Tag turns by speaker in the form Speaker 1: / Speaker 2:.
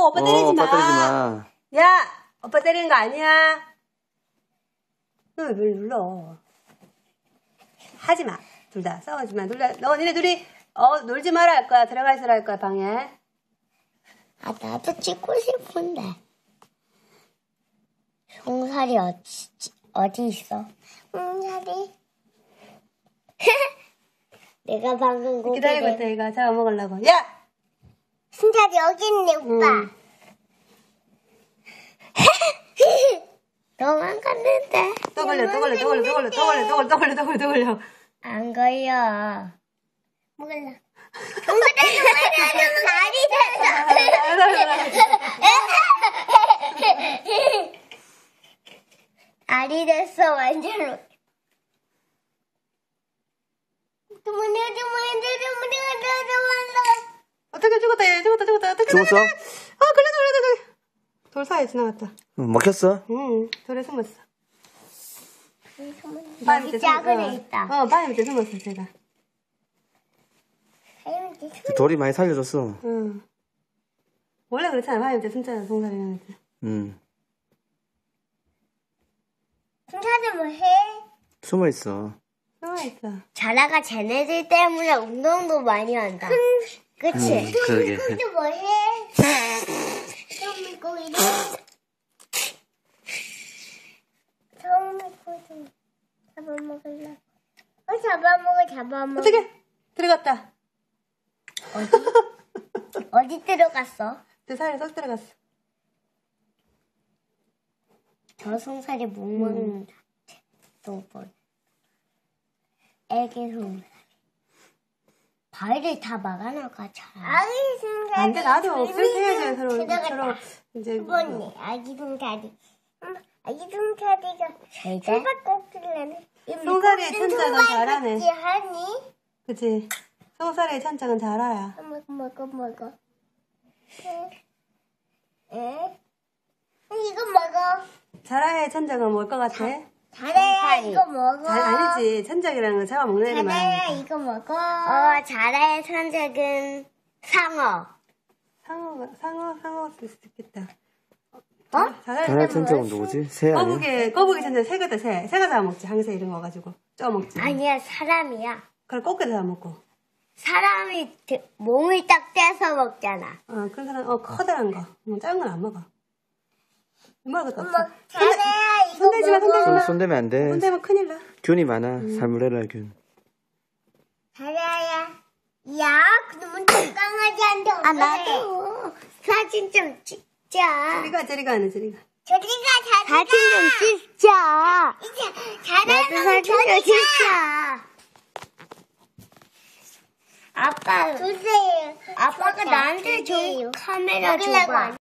Speaker 1: 오빠 때리지 마.
Speaker 2: 오빠 때리지 마.
Speaker 1: 야, 오빠 때리는 거 아니야. 너 왜 눌러? 하지 마. 둘 다 싸우지 마. 니네 둘이 놀지 마라 할 거야. 들어가 있으라 할 거야 방에.
Speaker 3: 아, 나도 찍고 싶은데. 송사리 어디 있어? 송사리. 내가 방금 고개
Speaker 1: 기다리고 있다 이거 잡아먹으려고. 야!
Speaker 3: 송사리 여기 있네, 오빠. 도망갔는데.
Speaker 1: 또 걸려.
Speaker 3: 안 걸려. 몰라. 알이 됐어, 완전로.
Speaker 1: 어떻게 죽었다 얘 죽었다. 어떻게
Speaker 2: 죽었어?
Speaker 1: 걸려. 돌 사이에 지나갔다.
Speaker 2: 먹혔어?
Speaker 1: 응, 돌에 숨었어.
Speaker 3: 여기 작은 애 있다.
Speaker 1: 바위 밑에 숨었어 제가.
Speaker 2: 돌이 많이 살려줬어.
Speaker 1: 응. 원래 그렇잖아. 바위 밑에 숨잖아 송사리는.
Speaker 3: 송사리 뭐 해?
Speaker 2: 숨어있어.
Speaker 1: 숨어있어.
Speaker 3: 자라가 쟤네들 때문에 운동도 많이 한다. 그치?
Speaker 2: 그러게.
Speaker 3: 근데 뭐 해? 처음에 고기 잡아먹을래. 잡아먹어.
Speaker 1: 어떻게? 들어갔다.
Speaker 3: 어디 들어갔어?
Speaker 1: 내 사이에 쏙 들어갔어.
Speaker 3: 저 송사리 못 먹는다. 또 뭐? 애기 송사리. 바위를 다 막아놓을까, 잘. 아기 송사리.
Speaker 1: 안 돼, 나도 쓸쓸해야지, 서로 이제.
Speaker 3: 이번에 아기 송사리. 아기 송사리가 수박꼭지라네.
Speaker 1: 송사리의 천장은 잘하네.
Speaker 3: 하니?
Speaker 1: 그치? 송사리의 천장은 잘 알아.
Speaker 3: 먹어. 이거 먹어.
Speaker 1: 자라의 천장은 뭘 것 같아?
Speaker 3: 자라야 이거 먹어.
Speaker 1: 아니지. 천장이라는 건 잡아먹는 애를
Speaker 3: 자라야
Speaker 1: 말하는
Speaker 3: 이거 먹어. 자라의 천적은 상어.
Speaker 1: 상어 쓸 수도 있겠다.
Speaker 2: 자라의 천적은 누구지? 새 아니야?
Speaker 1: 거북이 천장 새거다, 새. 새가 잡아먹지. 항새 이런 거 가지고. 쪄먹지.
Speaker 3: 아니야, 사람이야.
Speaker 1: 그걸 꽃게도 잡아먹고.
Speaker 3: 사람이 몸을 딱 떼서 먹잖아.
Speaker 1: 그런 사람, 커다란 거. 작은 건 안 먹어. 먹을 거 없어.
Speaker 3: 자라야 이거
Speaker 1: 손대지 마,
Speaker 3: 먹어.
Speaker 2: 손대면 안 돼.
Speaker 1: 손대면 큰일 나.
Speaker 2: 균이 많아. 살모넬라 균.
Speaker 3: 자라야. 야, 그러면 강아지한테 어떡해. 나도. 사진 좀 찍자.
Speaker 1: 저리가 안 해, 저리가.
Speaker 3: 사진 좀 찍자. 나도 사진 좀 찍자. 아빠, 주세요. 아빠가 나한테 저 카메라 줘봐.